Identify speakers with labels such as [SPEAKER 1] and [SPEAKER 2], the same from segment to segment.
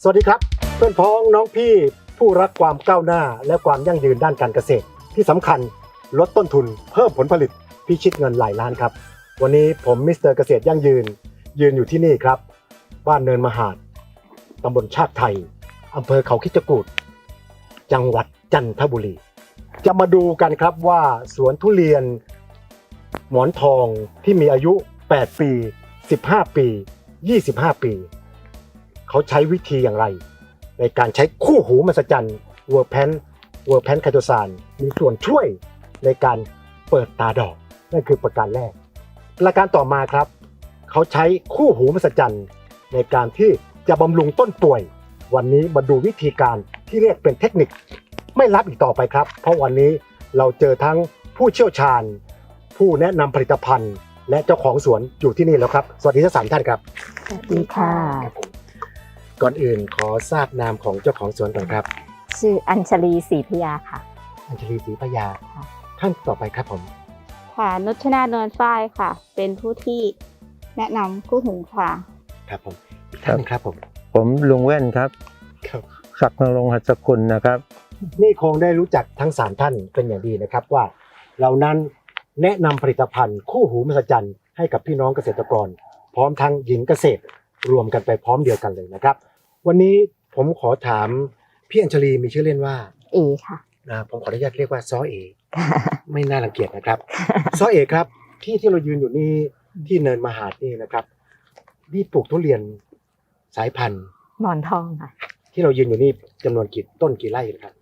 [SPEAKER 1] สวัสดีครับเพื่อนพ้องน้องพี่ผู้รักความก้าวหน้าและความยั่งยืนด้านการเกษตรที่สำคัญลดต้นทุนเพิ่มผลผลิตพิชิตเงินหลายล้านครับวันนี้ผมมิสเตอร์เกษตรยั่งยืนอยู่ที่นี่ครับบ้านเนินมหาดตำบลชาติไทยอำเภอเขาคิดจกูฏจังหวัดจันทบุรีจะมาดูกันครับว่าสวนทุเรียนหมอนทองที่มีอายุ8ปี15ปี25ปีเขาใช้วิธีอย่างไรในการใช้คู่หูมหัศจรรย์เวอร์แพนไคโตซานมีส่วนช่วยในการเปิดตาดอกนั่นคือประการแรกประการต่อมาครับเขาใช้คู่หูมหัศจรรย์ในการที่จะบำรุงต้นป่วยวันนี้มาดูวิธีการที่เรียกเป็นเทคนิคไม่ลับอีกต่อไปครับเพราะวันนี้เราเจอทั้งผู้เชี่ยวชาญผู้แนะนำผลิตภัณฑ์และเจ้าของสวนอยู่ที่นี่แล้วครับสวัสดีทั้ง3ท่านครับ
[SPEAKER 2] สวัสดีค่ะ
[SPEAKER 1] ก่อนอื่นขอทราบนามของเจ้าของสวนก่อนครับ
[SPEAKER 2] ชื่ออัญชลีศรีพยาค่ะ
[SPEAKER 1] อัญชลีศรีพยาท่านต่อไปครับผม
[SPEAKER 3] ค่ะนุชนาเนินฝ้ายค่ะเป็นผู้ที่แนะนำคู่หูค่ะ
[SPEAKER 1] ครับผมอีกท่านนึงครับ
[SPEAKER 4] ผมลุงแว่นครับศักดิ์นรงค์หัสกุลนะครับ
[SPEAKER 1] นี่คงได้รู้จักทั้ง3ท่านเป็นอย่างดีนะครับว่าเรานั้นแนะนำผลิตภัณฑ์คู่หูมหัศจรรย์ให้กับพี่น้องเกษตรกรพร้อมทั้งหญิงเกษตรรวมกันไปพร้อมเดียวกันเลยนะครับวันนี้ผมขอถามพี่อัญชลีมีชื่อเล่นว่า
[SPEAKER 2] เอค่ะ
[SPEAKER 1] ผมขออนุญาตเรียกว่าซ้อเอไม่น่ารังเกียจนะครับซ้อเอครับที่เรายืนอยู่นี่ที่เนินมหาดนี่นะครับนี่ปลูกทุเรียนสายพันธุ์
[SPEAKER 2] หมอนทองค่ะ
[SPEAKER 1] ที่เรายืนอยู่นี่จำนวนกี่ต้นกี่ไร่ครับ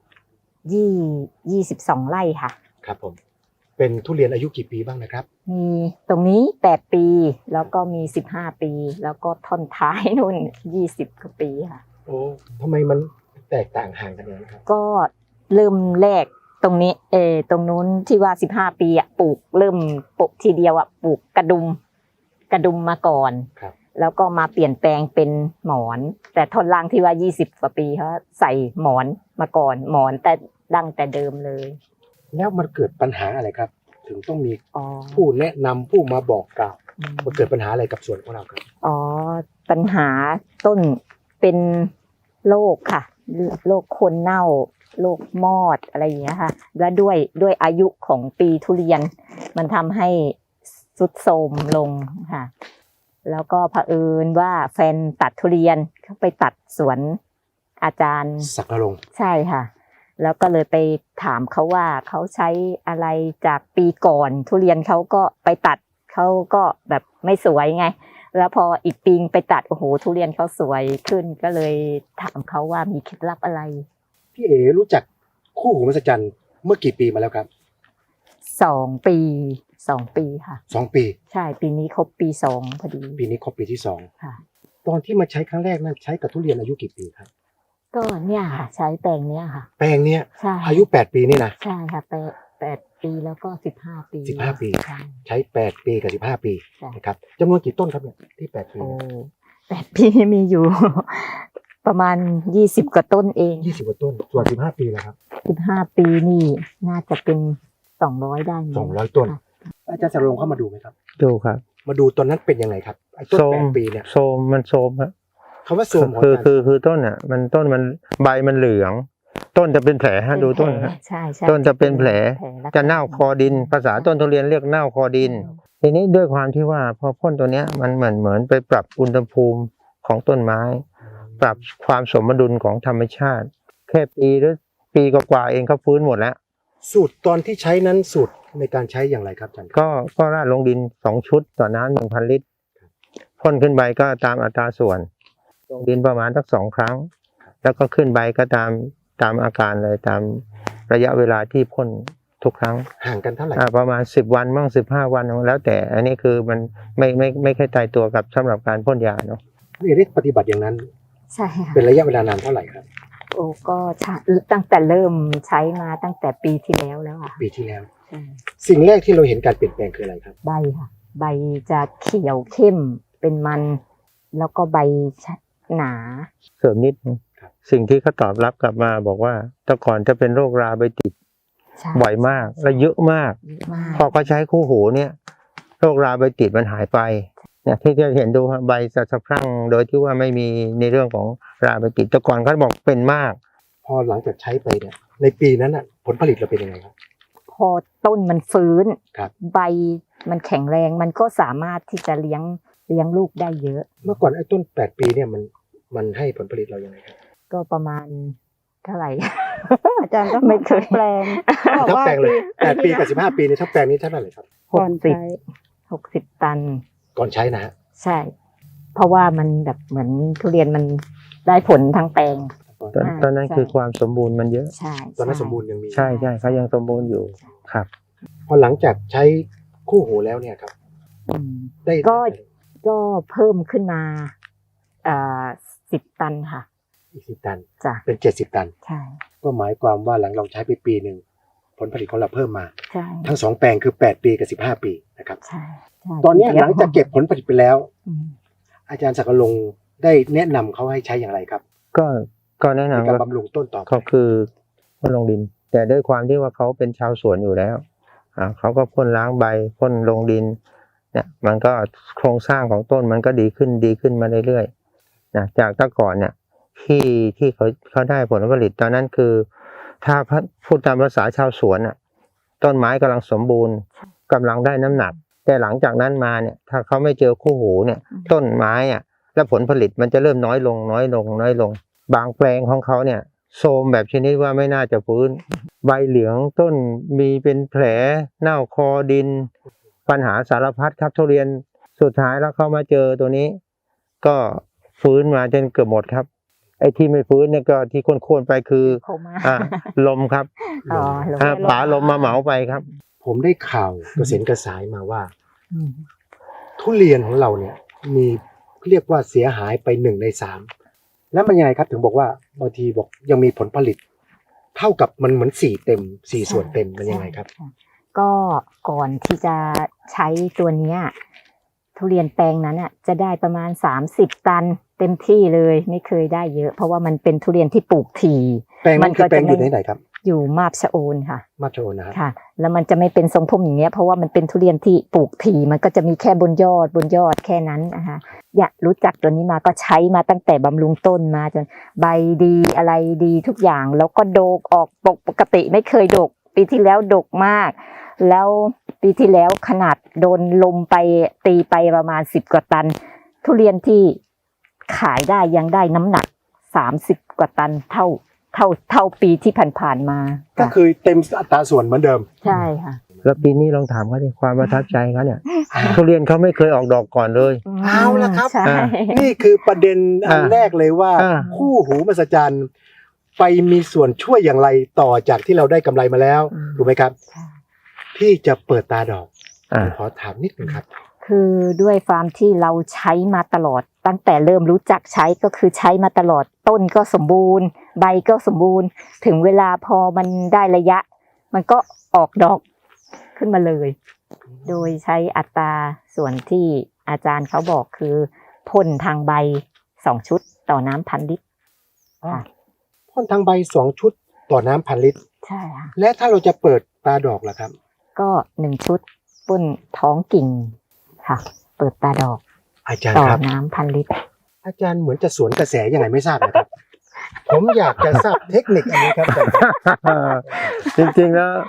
[SPEAKER 2] 22 ไร่ค่ะ
[SPEAKER 1] ครับผมเป็นทุเรียนอายุกี่ปีบ้างนะครับ
[SPEAKER 2] มีตรงนี้8ปีแล้วก็มี15ปีแล้วก็ท่อนท้ายนู่น20กว่าปีค่ะ
[SPEAKER 1] โอ้ทำไมมันแตกต่างห่างกันอย่างนั้นครับ
[SPEAKER 2] ก็เริ่มแรกตรงนี้ตรงนู้นที่ว่า15ปีปลูกเริ่มปลูกทีเดียวปลูกกระดุมมาก่อน
[SPEAKER 1] ครับ
[SPEAKER 2] แล้วก็มาเปลี่ยนแปลงเป็นหมอนแต่ท่อนล่างที่ว่า20กว่าปีเขาใส่หมอนมาก่อนหมอนแต่ดั้งแต่เดิมเลย
[SPEAKER 1] แล้วมันเกิดปัญหาอะไรครับถึงต้องมีผู้แนะนำผู้มาบอกกล่าวมันเกิดปัญหาอะไรกับสวนของเราครับ
[SPEAKER 2] ปัญหาต้นเป็นโรคค่ะโรคโคนเน่าโรคมอดอะไรอย่างเงี้ยค่ะและด้วยอายุของปีทุเรียนมันทำให้ทรุดโทรมลงค่ะแล้วก็เผอิญว่าแฟนตัดทุเรียนเขาไปตัดสวนอาจารย์
[SPEAKER 1] ศักดิ์นรงค์
[SPEAKER 2] ใช่ค่ะแล้วก็เลยไปถามเขาว่าเขาใช้อะไรจากปีก่อนทุเรียนเขาก็ไปตัดเขาก็แบบไม่สวยไงแล้วพออีกปีไปตัดโอ้โหทุเรียนเขาสวยขึ้นก็เลยถามเขาว่ามีเคล็ดลับอะไร
[SPEAKER 1] พี่เอ๋รู้จักคู่หูมหัศจรรย์เมื่อกี่ปีมาแล้วครับ
[SPEAKER 2] 2 ปีค่ะ
[SPEAKER 1] 2 ปี
[SPEAKER 2] ใช่ปีนี้ครบปี2พอดี
[SPEAKER 1] ปีนี้ครบปีที่2
[SPEAKER 2] ค่ะ
[SPEAKER 1] ตอนที่มาใช้ครั้งแรกนั้นใช้กับทุเรียนอายุกี่ปีครับ
[SPEAKER 2] ก็เนี่ยค่ะใช้แปลงเนี้ยค่ะ
[SPEAKER 1] แปลงเนี้ย
[SPEAKER 2] ใช่
[SPEAKER 1] อายุ8ปีนี่นะ
[SPEAKER 2] ใช่ค่ะ8ปีแล้วก็15ปี
[SPEAKER 1] 15ปีใช้8ปีกับ15ปีนะครับจำนวนกี่ต้นครับเนี่ยที่8ปี
[SPEAKER 2] 8ปีมีอยู่ประมาณ20กว่าต้นเอง
[SPEAKER 1] 20กว่าต้นส่วน15ปีแล้วครับ
[SPEAKER 2] 15ปีนี่น่าจะเป็น200ได้
[SPEAKER 1] 200ต้นอาจารย์สรงเข้ามาดูไหมครับ
[SPEAKER 4] ดูครับ
[SPEAKER 1] มาดูตอนนั้นเป็นยังไงครับไอ้ต้น8ปีเนี่ย
[SPEAKER 4] โซมมันโซมครับ
[SPEAKER 1] คำว่าโซม
[SPEAKER 4] คือต้นต้นมันใบมันเหลืองต้นจะเป็นแผลฮะดูต้นครับ
[SPEAKER 2] ใช่
[SPEAKER 4] ต้นจะเป็นแผลจะเน่าคอดินภาษาต้นทุเรียนเรียกเน่าคอดินทีนี้ด้วยความที่ว่าพอพ่นตัวเนี้ยมันเหมือนไปปรับอุณหภูมิของต้นไม้ปรับความสมดุลของธรรมชาติแค่ปีหรือปีกว่าเองก็ฟื้นหมดแล้ว
[SPEAKER 1] สูตรตอนที่ใช้นั้นสูตรในการใช้อย่างไรครับอาจารย์
[SPEAKER 4] ก็ราดลงดิน2ชุดต่อน้ำ 1,000 ลิตรพ่นขึ้นใบก็ตามอัตราส่วนลงดินประมาณสัก2 ครั้งแล้วก็ขึ้นใบก็ตามอาการเลยตามระยะเวลาที่พ่นทุกครั้ง
[SPEAKER 1] ห่างกันเท่าไหร่
[SPEAKER 4] ประมาณ10 วันบ้าง15 วันแล้วแต่อันนี้คือมันไม่ค่อยตายตัวกับสำหรับการพ่นยาเนาะ
[SPEAKER 1] นี่ได้ปฏิบัติอย่างนั้น
[SPEAKER 2] ใช่ค่ะ
[SPEAKER 1] เป็นระยะเวลานานเท่าไหร่ครับ
[SPEAKER 2] ก็ตั้งแต่เริ่มใช้มาตั้งแต่ปีที่แล้วค่ะ
[SPEAKER 1] ปีที่แล้วสิ่งแรกที่เราเห็นการเปลี่ยนแปลงคืออะไรครับ
[SPEAKER 2] ใบค่ะใบจะเขียวเข้มเป็นมันแล้วก็ใบหนา
[SPEAKER 4] เสริมนิดสิ่งที่เขาตอบรับกลับมาบอกว่าแต่ก่อนจะเป็นโรคราใบติดบ่อยมากและเยอะมากพอเขาใช้คู่หูเนี่ยโรคราใบติดมันหายไปเนี่ยที่จะเห็นดูครับใบสะพรั่งโดยที่ว่าไม่มีในเรื่องของราใบติดแต่ก่อนเขาบอกเป็นมาก
[SPEAKER 1] พอหลังจากใช้ไปเนี่ยในปีนั้นอ่ะผลผลิตเราเป็นยังไงครับ
[SPEAKER 2] พอต้นมันฟื้น
[SPEAKER 1] ครับ
[SPEAKER 2] ใบมันแข็งแรงมันก็สามารถที่จะเลี้ยงลูกได้เยอะ
[SPEAKER 1] เมื่อก่อนไอ้ต้น8 ปีเนี่ยมันให้ผลผลิตเรายังไงครับ
[SPEAKER 2] ก็ประมาณเท่าไหร่
[SPEAKER 3] อาจารย์ต้อง
[SPEAKER 2] ไม่เคย
[SPEAKER 3] แปลงเขาบอก
[SPEAKER 1] ทั้ง
[SPEAKER 3] ว่า
[SPEAKER 1] แปลงเลย8 ปี
[SPEAKER 3] ที่
[SPEAKER 1] กับ15 ปีในทั้งแปลงนี้เท่าไหร่ครับ
[SPEAKER 3] ก่อนใช้
[SPEAKER 2] 60 ตัน
[SPEAKER 1] ก่อนใช้นะฮะ
[SPEAKER 2] ใช่ เพราะว่ามันแบบเหมือนทุเรียนมันได้ผลทั้งแปลง
[SPEAKER 4] ตอนนั้น
[SPEAKER 2] ใช่
[SPEAKER 4] คือความสมบูรณ์มันเยอะ
[SPEAKER 2] ใช่
[SPEAKER 1] ตอนนั้นสมบูรณ์ยังมี
[SPEAKER 4] ใช่เขายังสมบูรณ์อยู่ครับ
[SPEAKER 1] พอหลังจากใช้คู่หูแล้วเนี่ยครับ
[SPEAKER 2] อืม
[SPEAKER 1] ได้
[SPEAKER 2] ก็เพิ่มขึ้นมา10 ตันค่ะ
[SPEAKER 1] อีก10 ตัน
[SPEAKER 2] จ้ะ
[SPEAKER 1] เป็น70 ตัน
[SPEAKER 2] ใช่
[SPEAKER 1] ก็หมายความว่าหลังเราใช้ไปปีหนึ่งผลผลิตของเราเพิ่มมา
[SPEAKER 2] ใช่
[SPEAKER 1] ทั้ง2 แปลงคือ8 ปีกับ15 ปีนะครับ
[SPEAKER 2] ใช่ใช่
[SPEAKER 1] ตอนเนี้ยหลังจากเก็บผลผลิตไปแล้ว
[SPEAKER 2] อืม
[SPEAKER 1] อาจารย์ศักดิ์ลงค์ได้แนะนำเขาให้ใช้อย่างไรครับ
[SPEAKER 4] ก็แนะ
[SPEAKER 1] ใน
[SPEAKER 4] นำ
[SPEAKER 1] การ
[SPEAKER 4] ว่า
[SPEAKER 1] บำรุงต้นต่อไป
[SPEAKER 4] เขาคือพ่นลงดิน แต่ด้วยความที่ว่าเขาเป็นชาวสวนอยู่แล้วเขาก็พ่นล้างใบพ่นลงดินเนี่ยมันก็โครงสร้างของต้นมันก็ดีขึ้นมาเรื่อยๆนะจากแต่ก่อนเนี่ยที่เขาได้ผลผลิตตอนนั้นคือ ถ้าพูดตามภาษาชาวสวนต้นไม้กำลังสมบูรณ์กำลังได้น้ำหนัก แต่หลังจากนั้นมาเนี่ยถ้าเขาไม่เจอคู่หูเนี่ยต้นไม้และผลผลิตมันจะเริ่มน้อยลง บางแปลงของเขาเนี่ยโทรมแบบชนิดว่าไม่น่าจะฟื้น ใบเหลืองต้นมีเป็นแผลเน่าคอดิน ปัญหาสารพัดครับทุเรียนสุดท้ายแล้วเขามาเจอตัวนี้ ก็ฟื้นมาจนเกือบหมดครับ ไอ้ที่ไม่ฟื้นเนี่ยก็ที่โค่นๆไปคือ
[SPEAKER 2] โคม่า
[SPEAKER 4] ลมครับ
[SPEAKER 2] อ๋อลม
[SPEAKER 4] ป๋าลมมาเหมาไปครับ
[SPEAKER 1] ผมได้ข่าวกระเซ็นกระสายมาว่า
[SPEAKER 2] อืม
[SPEAKER 1] ทุเรียนของเราเนี่ยมีเรียกว่าเสียหายไป1 ใน 3แล้วมันยังไงครับถึงบอกว่าบางทีบอกยังมีผลผลิต เท่ากับมันเหมือน4 ส่วนเต็มมันยังไงครับ
[SPEAKER 2] ใช่ก็ก่อนที่จะใช้ตัวเนี้ยทุเรียนแปลงนั้นจะได้ประมาณ30 ตันเต็มที่เลยไม่เคยได้เยอะ เพราะว่ามันเป็นทุเรียนที่ปลูกถี่
[SPEAKER 1] แปลงนั้นคือแปลงอยู่ไหนครับ
[SPEAKER 2] อยู่มาบชะโอนค่ะ
[SPEAKER 1] มาโชว์นะครับ
[SPEAKER 2] ค่ะ แล้วมันจะไม่เป็นทรงพุ่มอย่างเงี้ยเพราะว่ามันเป็นทุเรียนที่ปลูกถี่มันก็จะมีแค่บนยอดแค่นั้นนะคะอยากรู้จักตัวนี้มาก็ใช้มาตั้งแต่บำรุงต้นมาจนใบดีอะไรดีทุกอย่างแล้วก็โดกออกปกติไม่เคยดก ปีที่แล้วดกมาก แล้วปีที่แล้วขนาดโดนลมไปตีไปประมาณ10 กว่าตัน ทุเรียนที่ขายได้ยังได้น้ำหนัก30 กว่าตันเท่าปีที่ผ่านๆมา
[SPEAKER 1] ก็คือเต็มอัตราส่วนเหมือนเดิม
[SPEAKER 2] ใช่ค่ะ
[SPEAKER 4] แล้วปีนี้ลองถามเขาดิความประทับใจเขาเนี่ยทุเรียนเขาไม่เคยออกดอกก่อนเลย
[SPEAKER 1] เอาละครับ
[SPEAKER 2] ใช่
[SPEAKER 1] นี่คือประเด็นอันแรกเลยว่า
[SPEAKER 4] อ่า
[SPEAKER 1] คู่หูมหัศจรรย์ไปมีส่วนช่วยอย่างไรต่อจากที่เราได้กำไรมาแล้วถูกไหมครับ
[SPEAKER 2] ใช่
[SPEAKER 1] ที่จะเปิดตาดอก
[SPEAKER 4] อ่า
[SPEAKER 1] ขอถามนิดนึงครับ
[SPEAKER 2] คือด้วยความที่เราใช้มาตลอดตั้งแต่เริ่มรู้จักใช้ก็คือใช้มาตลอดต้นก็สมบูรณ์ ใบก็สมบูรณ์ ถึงเวลาพอมันได้ระยะ มันก็ออกดอกขึ้นมาเลย โดยใช้อัตราส่วนที่อาจารย์เขาบอกคือพ่นทางใบ2 ชุดต่อน้ำ1,000 ลิตร
[SPEAKER 1] พ่นทางใบ2 ชุดต่อน้ำ1,000 ลิตร
[SPEAKER 2] ใช่ค่ะ
[SPEAKER 1] และถ้าเราจะเปิดตาดอกล่ะครับ
[SPEAKER 2] ก็1 ชุดพ่นท้องกิ่งค่ะ เปิดตาดอก
[SPEAKER 1] อาจารย์
[SPEAKER 2] ต่อ
[SPEAKER 1] ครับ
[SPEAKER 2] น้ำ1,000 ลิตร
[SPEAKER 1] อาจารย์เหมือนจะสวนกระแสยังไงไม่ทราบนะครับ ผมอยากจะทราบเทคนิคอันนี้ครับอาจารย์ครับ
[SPEAKER 4] จริงๆแล้ว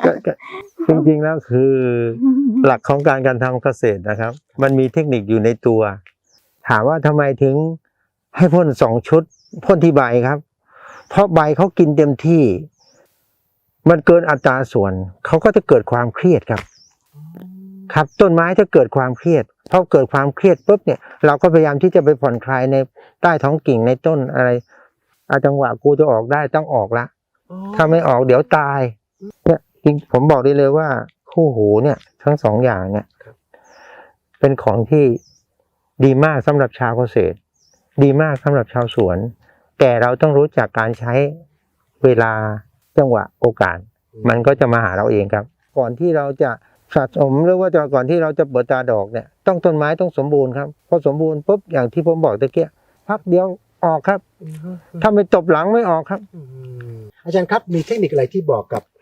[SPEAKER 4] คือหลักของการทำเกษตรนะครับ มันมีเทคนิคอยู่ในตัว ถามว่าทำไมถึงให้พ่น2 ชุดพ่นที่ใบครับ เพราะใบเขากินเต็มที่ มันเกินอัตราส่วนเขาก็จะเกิดความเครียดครับ ครับต้นไม้ถ้าเกิดความเครียดพอเกิดความเครียดปุ๊บเนี่ยเราก็พยายามที่จะไปผ่อนคลายในใต้ท้องกิ่งในต้นอะไรจังหวะกูจะออกได้ต้องออกละถ้าไม่ออกเดี๋ยวตายเนี่ยจริงผมบอกได้เลยว่าคู่หูเนี่ยทั้ง2 อย่างเนี่ยเป็นของที่ดีมากสำหรับชาวเกษตร ดีมากสำหรับชาวสวน แต่เราต้องรู้จักการใช้เวลาจังหวะโอกาส มันก็จะมาหาเราเองครับ ก่อนที่เราจะสะสมหรือว่าก่อนที่เราจะเปิดตาดอกเนี่ยต้องต้นไม้ต้องสมบูรณ์ครับพอสมบูรณ์ปุ๊บอย่างที่ผมบอกตะเกียพักเดียวออกครับ ถ้าไม่ตบหลังไม่ออกครับ
[SPEAKER 1] อาจารย์ครับมีเทคนิคอะไรที่บอกกับ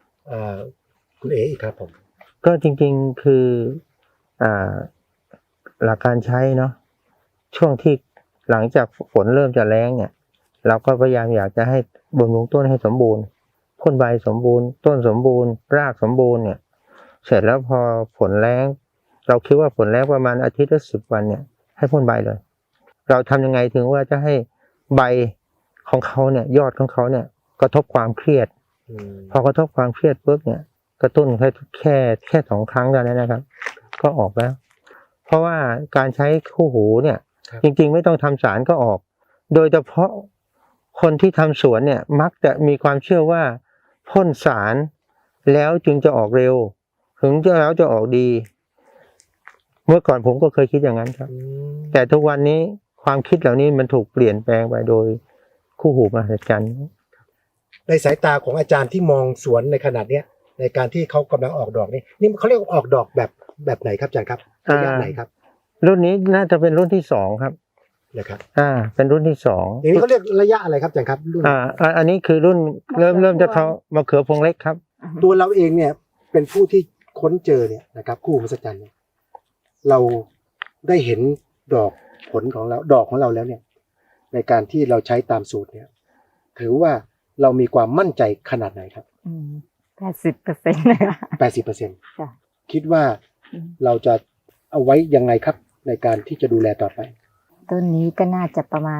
[SPEAKER 1] คุณเอ๋อีกครับผม
[SPEAKER 4] ก็จริงๆคือหลักการใช้เนาะช่วงที่หลังจากฝนเริ่มจะแล้งเนี่ยเราก็พยายามอยากจะให้บำรุงต้นให้สมบูรณ์พ่นใบสมบูรณ์ต้นสมบูรณ์รากสมบูรณ์เนี่ยเสร็จแล้วพอฝนแล้งเราคิดว่าฝนแล้งประมาณอาทิตย์ละ10 วันเนี่ยให้พ่นใบเลยเราทำยังไงถึงว่าจะให้ใบของเขาเนี่ยยอดของเขาเนี่ยกระทบความเครียดพอกระทบความเครียดปุ๊บเนี่ยกระตุ้นแค่2 ครั้งเท่านั้นนะครับก็ออกแล้วเพราะว่าการใช้คู่หูเนี่ยจริงๆไม่ต้องทำสารก็ออกโดยเฉพาะคนที่ทำสวนเนี่ยมักจะมีความเชื่อว่าพ่นสารแล้วจึงจะออกเร็วถึงแล้วจะออกดีเมื่อก่อนผมก็เคยคิดอย่างนั้นครับแต่ทุกวันนี้ความคิดเหล่านี้มันถูกเปลี่ยนแปลงไปโดยคู่หูมหัศจรรย์
[SPEAKER 1] ในสายตาของอาจารย์ที่มองสวนในขนาดเนี้ยในการที่เขากำลังออกดอกนี่เขาเรียกว่าออกดอกแบบไหนครับอาจารย์ครับระยะไหนครับ
[SPEAKER 4] รุ่นนี้น่าจะเป็นรุ่นที่2ครับ
[SPEAKER 1] นะครับ
[SPEAKER 4] เป็นรุ่นที่2
[SPEAKER 1] อย่างนี้เขาเรียกระยะอะไรครับอาจารย์ครับรุ่น
[SPEAKER 4] อันนี้คือรุ่นเริ่มจะเขามะเขือพวงเล็กครับ
[SPEAKER 1] ตัวเราเองเนี่ยเป็นผู้ที่ค้นเจอเนี่ยนะครับคู่หูมหัศจรรย์เนี่ยเราได้เห็นดอกผลของเราดอกของเราแล้วเนี่ยในการที่เราใช้ตามสูตรเนี่ยถือว่าเรามีความมั่นใจขนาดไหนครับ
[SPEAKER 2] 80%เลยค่ะ
[SPEAKER 1] 80%คิดว่าเราจะเอาไว้ยังไงครับในการที่จะดูแลต่อไป
[SPEAKER 2] ต้นนี้ก็น่าจะประมาณ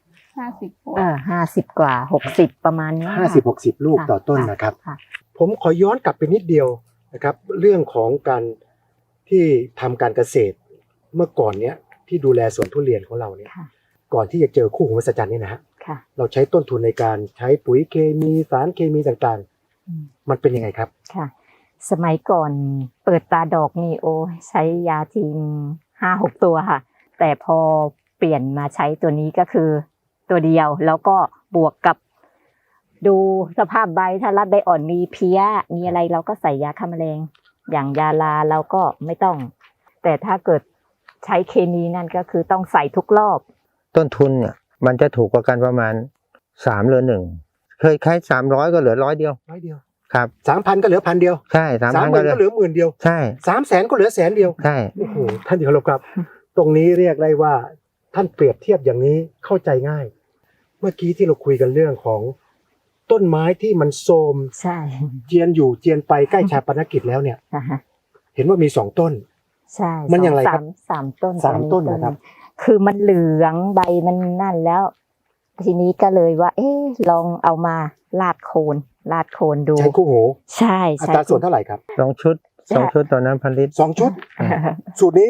[SPEAKER 2] 50 กว่า60ประมาณนี้
[SPEAKER 1] 50-60 ลูกต่อต้นนะครับผมขอย้อนกลับไปนิดเดียวนะครับเรื่องของการที่ทำการเกษตรเมื่อก่อนเนี้ยที่ดูแลสวนทุเรียนของเราเนี่ยก่อนที่จะเจอคู่หูมหัศจรรย์นี่นะฮะเราใช้ต้นทุนในการใช้ปุ๋ยเคมีสารเคมีต่างๆมันเป็นยังไงครับ
[SPEAKER 2] ค่ะสมัยก่อนเปิดตาดอกนี่โอ้ใช้ยาจีน5-6 ตัวค่ะแต่พอเปลี่ยนมาใช้ตัวนี้ก็คือตัวเดียวแล้วก็บวกกับดูสภาพใบถ้ารัดใบอ่อนมีเพี้ยมีอะไรเราก็ใส่ยาฆ่าแมลงอย่างยาลาเราก็ไม่ต้องแต่ถ้าเกิดใช้เคมีนั่นก็คือต้องใส่ทุกรอบ
[SPEAKER 4] ต้นทุนเนี่ยมันจะถูกกว่ากันประมาณ3 เหลือ 1เคยใช้300ก็เหลือ100 เดียวครับ
[SPEAKER 1] 3,000 ก็เหลือ1,000 เดียว
[SPEAKER 4] ใช่ 3,000 ก็
[SPEAKER 1] เหลือ10,000 เดียว
[SPEAKER 4] ใช่
[SPEAKER 1] 300,000 ก็เหลือ100,000 เดียว
[SPEAKER 4] ใช่
[SPEAKER 1] โอ้โหท่านที่เคารพครับตรงนี้เรียกได้ว่าท่านเปรียบเทียบอย่างนี้เข้าใจง่ายเมื่อกี้ที่เราคุยกันเรื่องของต้นไม้ที่มันโทรม
[SPEAKER 2] ใช่
[SPEAKER 1] เจียนอยู่เจียนไปใกล้ชาปนกิจแล้วเนี่ยเห็นว่ามี2 ต้น
[SPEAKER 2] ใช่
[SPEAKER 1] มันอย่างไรครับ
[SPEAKER 2] 3 ต้น
[SPEAKER 1] 3 ต้นนะครับ
[SPEAKER 2] คือมันเหลืองใบมันนั่นแล้วทีนี้ก็เลยว่าลองเอามาลาดโคนดู
[SPEAKER 1] ใช้คู่หู
[SPEAKER 2] ใช่
[SPEAKER 1] อัตราส่วนเท่าไหร่ครับ
[SPEAKER 4] 2 ชุดตอนนั้น1,000 ลิตร
[SPEAKER 1] 2 ชุดสูตรนี้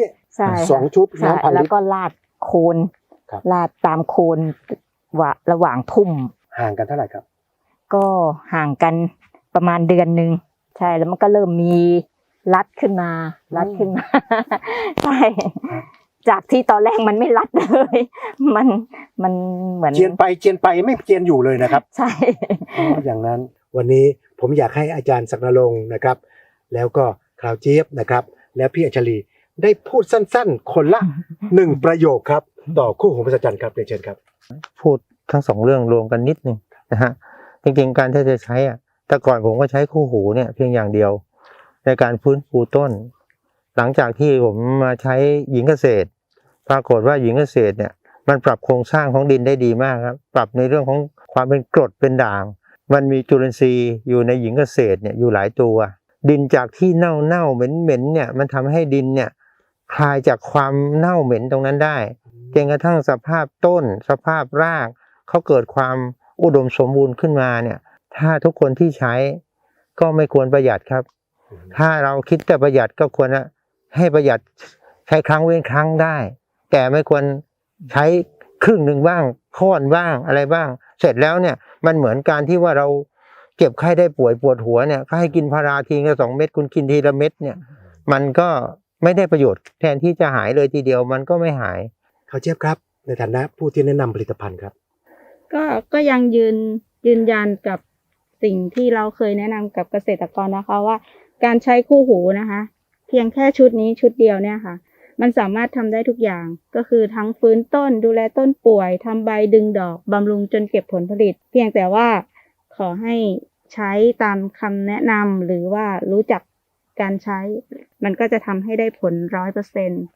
[SPEAKER 1] 2 ชุดน้ำ1,000 ลิตร
[SPEAKER 2] แล้วก็ลาดโคนลาดตามโคนระหว่างทุ่ม
[SPEAKER 1] ห่างกันเท่าไหร่ครับ
[SPEAKER 2] ก็ห่างกันประมาณเดือนนึงใช่แล้วมันก็เริ่มมีรัดขึ้นมาใช่จากที่ตอนแรกมันไม่รัดเลยมันเหมือน
[SPEAKER 1] เจียนไปไม่เจียนอยู่เลยนะครับ
[SPEAKER 2] ใช่
[SPEAKER 1] อย่างนั้นวันนี้ผมอยากให้อาจารย์ศักดิ์นรงค์นะครับแล้วก็คราวเจี๊ยบนะครับแล้วพี่อัญชลีได้พูดสั้นๆคนละ1 ประโยคครับต่อคู่หูมหัศจรรย์ครับเรียนเชิญครับ
[SPEAKER 4] พูดทั้ง2 เรื่องรวมกันนิดนึงนะฮะจริงๆการที่จะใช้แต่ก่อนผมก็ใช้คู่หูเนี่ยเพียงอย่างเดียวในการฟื้นฟูต้นหลังจากที่ผมมาใช้หญิงเกษตรปรากฏว่าหญิงเกษตรเนี่ยมันปรับโครงสร้างของดินได้ดีมากครับปรับในเรื่องของความเป็นกรดเป็นด่างมันมีจุลินทรีย์อยู่ในหญิงเกษตรเนี่ยอยู่หลายตัวดินจากที่เน่าเหม็นเนี่ยมันทำให้ดินเนี่ยคลายจากความเน่าเหม็นตรงนั้นได้จนกระทั่งสภาพต้นสภาพรากเขาเกิดความอุดมสมบูรณ์ขึ้นมาเนี่ยถ้าทุกคนที่ใช้ก็ไม่ควรประหยัดครับถ้าเราคิดแต่ประหยัดก็ควรให้ประหยัดใช้ครั้งเว้นครั้งได้แต่ไม่ควรใช้ครึ่งหนึ่งบ้างค่อนบ้างอะไรบ้างเสร็จแล้วเนี่ยมันเหมือนการที่ว่าเราเจ็บไข้ได้ป่วยปวดหัวเนี่ยก็ให้กินพาราทีละ2 เม็ดคุณกินทีละเม็ดเนี่ยมันก็ไม่ได้ประโยชน์แทนที่จะหายเลยทีเดียวมันก็ไม่หาย
[SPEAKER 1] เขาเจี๊ยบครับในฐานะผู้ที่แนะนำผลิตภัณฑ์ครับ
[SPEAKER 3] ก็ยังยืนยันกับสิ่งที่เราเคยแนะนำกับเกษตรกรนะคะว่าการใช้คู่หูนะคะเพียงแค่ชุดนี้ชุดเดียวเนี่ยค่ะมันสามารถทำได้ทุกอย่างก็คือทั้งฟื้นต้นดูแลต้นป่วยทำใบดึงดอกบำรุงจนเก็บผลผลิตเพียงแต่ว่าขอให้ใช้ตามคำแนะนำหรือว่ารู้จักการใช้มันก็จะทำให้ได้ผล 100%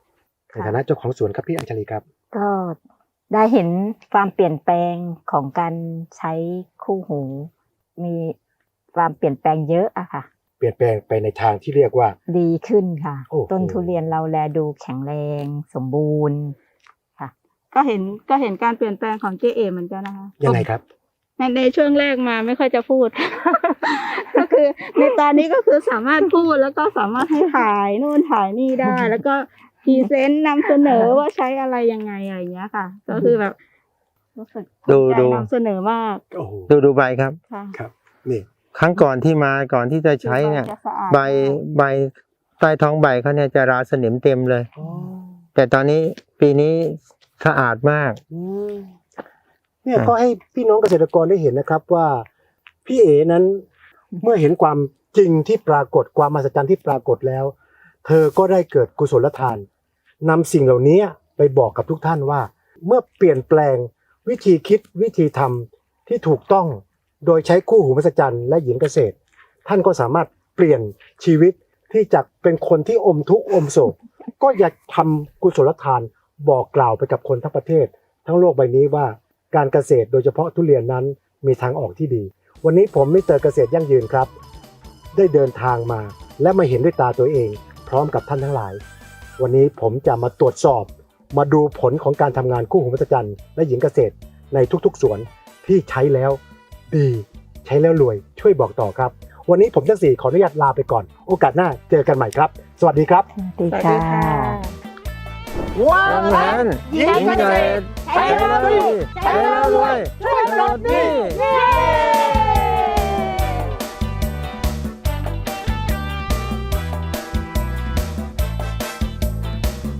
[SPEAKER 1] ในฐานะเจ้าของสวนครับพี่อัญชลีครับ
[SPEAKER 2] ก็ได้เห็นความเปลี่ยนแปลงของการใช้คู่หู มีความเปลี่ยนแปลงเยอะอะค่ะ
[SPEAKER 1] เปลี่ยนแปลงไปในทางที่เรียกว่า
[SPEAKER 2] ดีขึ้นค่ะ
[SPEAKER 1] โอ้โห
[SPEAKER 2] ต้นทุเรียนเราแลดูแข็งแรงสมบูรณ์
[SPEAKER 3] ก็เห็นการเปลี่ยนแปลงของเจเอเหมือนกันนะคะ
[SPEAKER 1] ยังไงครับ
[SPEAKER 3] ในช่วงแรกมาไม่ค่อยจะพูด ก็คือในตอนนี้ก็คือสามารถพูดแล้วก็สามารถให้ถ่ายนู่นถ่ายนี่ได้ แล้วก็พรีเซนต์นำเสนอว่าใช้อะไรยังไงอะไรอย่างเงี้ยค่ะ ก็คือแบบรู้สึกภูมิใจ
[SPEAKER 4] ดู
[SPEAKER 3] นำเสนอมาก
[SPEAKER 1] โอ้โห
[SPEAKER 4] ดูใบครับ
[SPEAKER 3] ค่ะ
[SPEAKER 1] ครับนี่
[SPEAKER 4] ครั้งก่อนที่จะใช้เนี่ย
[SPEAKER 3] จะสะอาด
[SPEAKER 4] ใบใต้ท้องใบเขาเนี่ยจะราสนิมเต็มเลย
[SPEAKER 1] อ๋อ
[SPEAKER 4] แต่ตอนนี้ปีนี้สะอาดมาก
[SPEAKER 1] อืมเนี่ยก็ให้พี่น้องเกษตรกรได้เห็นนะครับว่าพี่เอ๋นั้นเมื่อเห็นความจริงที่ปรากฏความมหัศจรรย์ที่ปรากฏแล้ว เธอก็ได้เกิดกุศลทานนำสิ่งเหล่านี้ไปบอกกับทุกท่านว่า เมื่อเปลี่ยนแปลงวิธีคิดวิธีทำที่ถูกต้องโดยใช้คู่หูมหัศจรรย์และหญิงเกษตร ท่านก็สามารถเปลี่ยนชีวิตที่จากเป็นคนที่อมทุกข์อมโศก ก็อยากทำกุศลทานบอกกล่าวไปกับคนทั้งประเทศ ทั้งโลกใบนี้ว่าการเกษตรโดยเฉพาะทุเรียนนั้นมีทางออกที่ดี วันนี้ผมมิสเตอร์เกษตรยั่งยืนครับ ได้เดินทางมาและมาเห็นด้วยตาตัวเอง พร้อมกับท่านทั้งหลาย วันนี้ผมจะมาตรวจสอบ มาดูผลของการทำงานคู่หูมหัศจรรย์และหญิงเกษตรในทุกๆสวนที่ใช้แล้วดีใช้แล้วรวยช่วยบอกต่อครับ วันนี้ผมทั้งสี่ขออนุญาตลาไปก่อน โอกาสหน้าเจอกันใหม่ครับ สวัสดีครับ
[SPEAKER 2] สวัสดี
[SPEAKER 3] สวัสดี
[SPEAKER 2] ค่ะ
[SPEAKER 3] ค่ะ
[SPEAKER 1] ว้า
[SPEAKER 4] ทำงานหญิงเกษตรใช้แล้วดีใช้แล้วรวยช่วยปลดหนี้